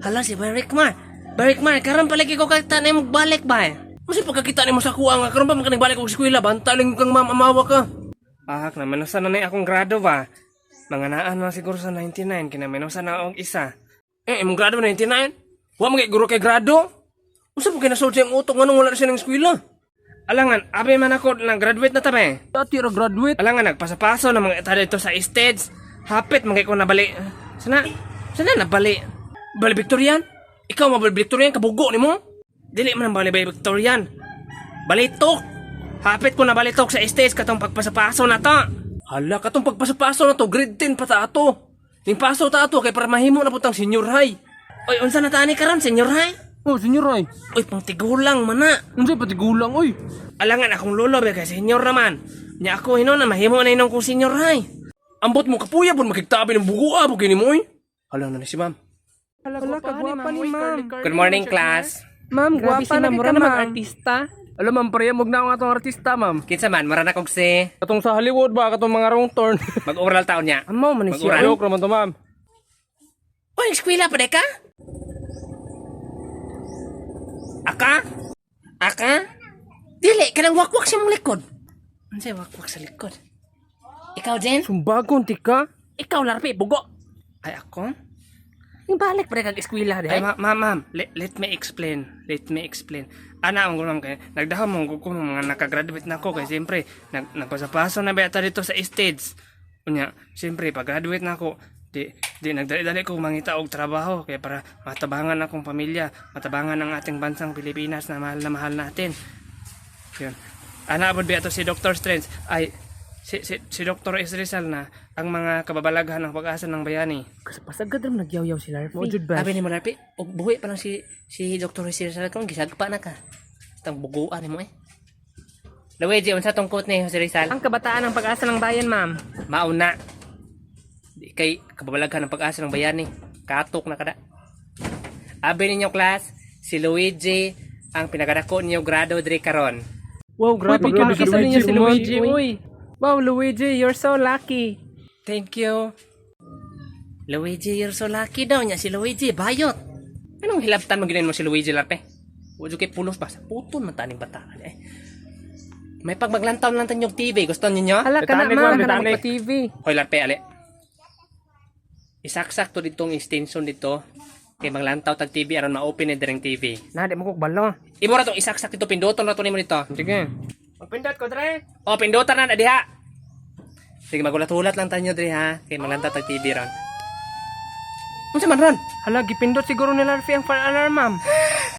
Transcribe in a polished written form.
Hala si Barikmar. Barikmar, karon palagi ko kakita na mo balik ba? Kasi pagkakita ni mo sa kuha nga, karon pa makanibalik ko sa eskwela, bantaling kang amawa ka. Ahak na, manasan na akong grado ba? Mga naan na siguro sa 99, kinaminosan na akong isa. Imong grado 99? Wa mga guro kay grado? Usa po kinasulti ang utok nga nung wala na siya ng eskwela? Alangan, abi man ako, nag-graduate na tabi. Dati ra graduate. Alangan, nagpasapaso na mga ita dito sa stage. Hapit, mga ko nabali. Sana nabali? Bali Victorian? Ikaw mabali Victorian, kabugo ni mo? Dili man ang bali Victorian. Balitok! Hapit ko na balitok sa stage katong pagpasapaso na to. Hala, katong pagpasapaso na to, grade 10 pa ta ato. Ning paso ta ato, kay para mahimo na putang senior high. Oy, unsa na tani karon senior high? Oh, senyor ay. Oy, pang tigulang mana. Unsay pati gulang oy. Alangan akong lolo ba kay senior naman. Nya ako hinon na mahimo na inong kong senior high. Ambot mo kapuya pud makigtabi ng bugo abo kini mo oy. Hala na si ma'am. Hala kagwapa ni ma'am. Good morning class. Ma'am, Grabe gwapa si na ma'am, mura mura na na mag-artista. Alam ma'am, parehamog na ako nga itong artista ma'am. Kinsa man mara na kog si Katong sa Hollywood ba, katong mga wrong turn. mag-oral taon niya. Amo man siya. Mag-oral. Joke naman to ma'am. Oy, eskwela pa ka? Aka? Aka? Dili, kanang wakwak sa mong likod. Unsay wakwak sa likod? Ikaw, Jen? Sumbagon tika. Ikaw, larpi, bugo. Ay, ako? Yung balik pa kag eskwela Ay, ma'am, let me explain. Ana, ang gulong kay, nagdahon mong ko mga nakagraduate na ako, kay siyempre, nagpasapaso na beta dito sa stage. Unya, siyempre, pag-graduate na ako, di nagdali-dali ko mangita og trabaho, kaya para matabangan akong pamilya, matabangan ang ating bansang Pilipinas na mahal natin. Yun. Ana, abod ba ito si Dr. Strange, ay, si Dr. Rizal na ang mga kababalaghan ng pag-asa ng bayani. Kasi pasagad rin nagyaw-yaw si Larry. Sabi ni mo Larpi, buhi pa lang si Dr. Rizal kung gisagpa na ka. Itang buguan ni mo eh. Luigi, unsa tong quote ni Jose Rizal? Ang kabataan ng pag-asa ng bayan, ma'am. Mauna. Di kay kababalaghan ng pag-asa ng bayani. Katok na kada. Abi ninyo class, si Luigi ang pinakadako niyo grado diri karon. Wow, grabe ka si Luigi. Uy. Wow, Luigi, you're so lucky. Thank you. Luigi, you're so lucky daw niya si Luigi. Bayot. Anong hilabtan mo ginayon mo si Luigi, Larpe? Ujo kay pulos ba? Sa puton man taning bataan eh. May pagmaglantaw lang tanyog TV. Gusto ninyo? Hala ka na, ma'am. Hala ka TV. Hoy, Larpe, ali. Isaksak to ditong extension dito. Kay maglantaw tag TV aron ma-open ni direng TV. Na, di mo kog balo. Imo ra tong isaksak dito pinduton ra to nimo dito. Sige. Magpindot ko dre. Oh, pindutan na diha. Sige, magulat-ulat lang tanyo dre ha. Kay maglantaw tag TV ron. Unsa man ron? Hala, gipindot siguro ni Larry ang fire alarm, ma'am.